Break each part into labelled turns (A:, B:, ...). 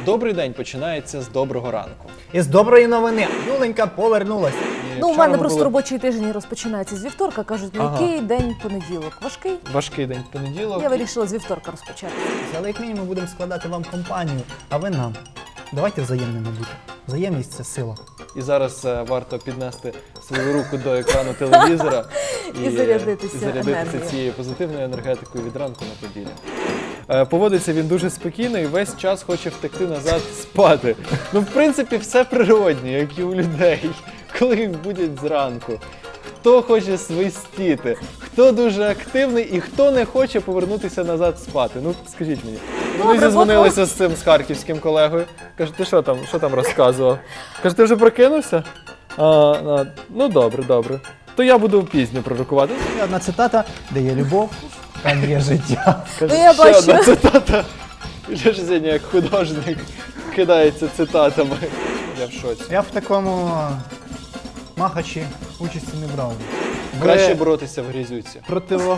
A: Добрий день починається з доброго ранку.
B: І з доброї новини. Юленька повернулася.
A: І
C: Ну, у
A: вчора
C: мене
A: ми
C: просто
A: були-
C: робочий тиждень розпочинається з вівторка. Кажуть,
A: Ага.
C: який день понеділок? Важкий?
A: Важкий день понеділок.
C: Я вирішила з вівторка розпочати.
B: Але як мінімум будемо складати вам компанію, а ви нам. Давайте взаємними бути. Взаємність – це сила.
A: І зараз варто піднести свою руку до екрану телевізора
C: І зарядитися енергією.
A: цією позитивною енергетикою від ранку на поділі. Поводиться він дуже спокійно і весь час хоче втекти назад спати. Ну, в принципі, все природнє, як і у людей, коли їх будять зранку. Хто хоче свистіти, хто дуже активний і хто не хоче повернутися назад спати. Ну, скажіть мені. Вони
C: Добре,
A: зізвонилися з цим, з харківським колегою. Каже, ти що там розказував? Каже, ти вже прокинувся? Ну, добре. То я буду пізньо пророкувати.
B: І одна цитата, де є любов, там є життя.
A: Каже,
C: Ну, я
A: ще
C: бачу.
A: одна цитата. Ілля ж сьогодні як художник кидається цитатами. Я в шоці.
B: Я в такому махачі участі не брав.
A: Краще боротися в грізюці.
B: Противо.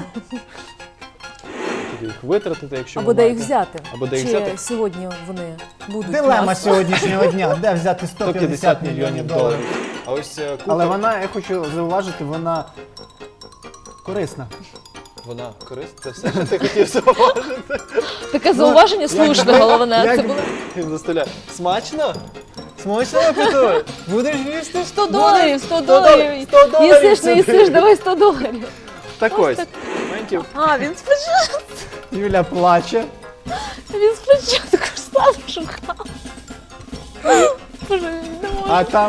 A: Тоді їх витратити, якщо
C: Або
A: ви
C: де їх
A: маєте.
C: взяти.
A: Або де їх
C: Чи
A: взяти.
C: сьогодні вони будуть?
B: Дилема
C: у нас?
B: сьогоднішнього дня. Де взяти
A: 150 мільйонів доларів. А ось купа,
B: Але вона, я хочу зауважити, вона корисна.
A: вона корисна. Це все, що ти хотів зауважити.
C: Таке зауваження слушне, головне.
B: як
C: Це
B: би-
C: було
A: Він заставляє. Смачно? Смачно, Петро? Будеш їсти?
C: 100 доларів, 100 доларів.
A: 100 доларів
C: Їсиш, не
A: сюди.
C: їсиш, давай 100 доларів.
A: Так ось. Моментів.
C: А, він спочатку,
B: Юля плаче.
C: сам шукав. Боже, не можу.
B: А там.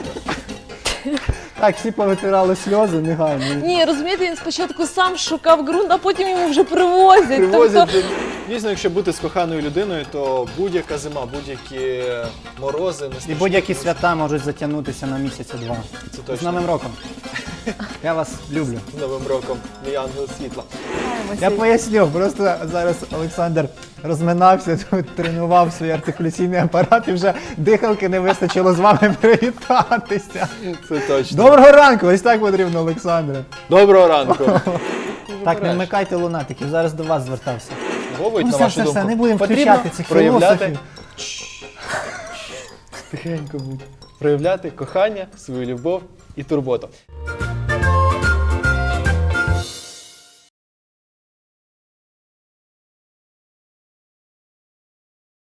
B: Так, всі повитирали сльози негайно.
C: Ні, розумієте, він спочатку сам шукав ґрунт, а потім йому вже привозять.
A: Привозять.
C: Тобто,
A: Дійсно, якщо бути з коханою людиною, то будь-яка зима, будь-які морози, не
B: І
A: страшні.
B: будь-які свята можуть затягнутися на місяця-два.
A: Це
B: З
A: точно.
B: Новим роком. Я вас люблю.
A: З Новим роком, мій ангел світла.
B: Я поясню, просто зараз Олександр розминався, тут тренував свій артикуляційний апарат і вже дихалки не вистачило з вами привітатися.
A: Це точно.
B: Доброго ранку! Ось так потрібно, Олександре.
A: Доброго ранку.
B: Так, не вмикайте лунатиків, зараз до вас звертався.
A: Вовить,
B: Ну,
A: на
B: все,
A: вашу
B: все,
A: думку,
B: все, не будемо
A: потрібно
B: включати цих
A: проявляти...
B: філософів.
A: Тихенько будь. Проявляти кохання, свою любов і турботу.